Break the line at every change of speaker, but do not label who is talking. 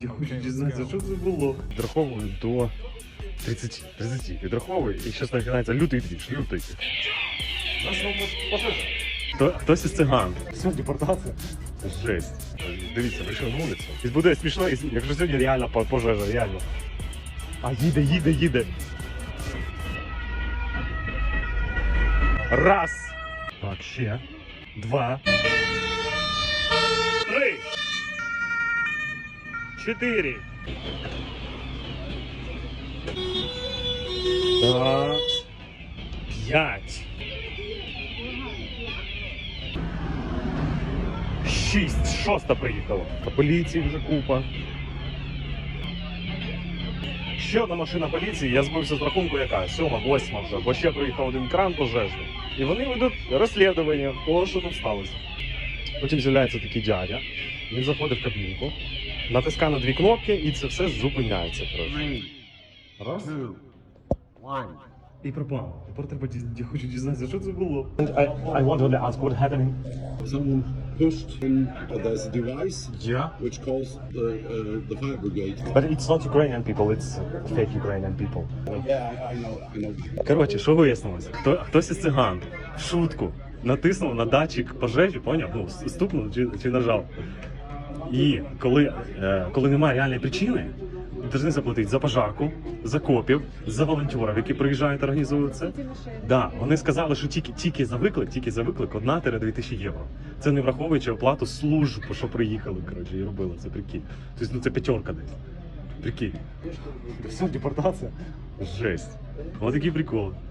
Я хочу дізнатися, що це було. Відраховую до 30. Відраховую, і зараз починається лютий двіж, лютий. Хтось із циган. Все, депортація. Жесть. Дивіться, прийшов на вулицю. І буде смішно, якщо сьогодні реально пожежа, реально. А їде. Раз. Так, ще. Два. 3. 4. Так. 5. 6. 6 приїхало. Поліції вже купа. Ще одна машина поліції, я збився з рахунку яка? 7, 8 вже, бо ще приїхав один кран пожежний. І вони ведуть розслідування, того, що там сталося. Потім з'являється такий дядя, він заходить в кабінку, натискає на 2 кнопки і це все зупиняється трошки. Раз. І пропав. Тепер треба, я хочу дізнатися, що це було. I want to ask what happened.
Someone pushed in, there's a device
Yeah.
which calls the fire brigade.
But it's not Ukrainian people, it's fake Ukrainian people.
Yeah, I know.
Коротше, що вияснилось? Хтось із циган в шутку натиснув на датчик пожежі, поняв? Ну, стукнув чи нажав. І коли немає реальної причини, повинні заплатити за пожарку, за копів, за волонтерів, які приїжджають і організують це. Да, вони сказали, що тільки за виклик 1-2 тисячі євро. Це не враховуючи оплату служб, що приїхали, коротше, і робили це, прикинь. Тобто, ну це 5 десь. Прикинь. Все, депортація. Жесть. Ось такі приколи.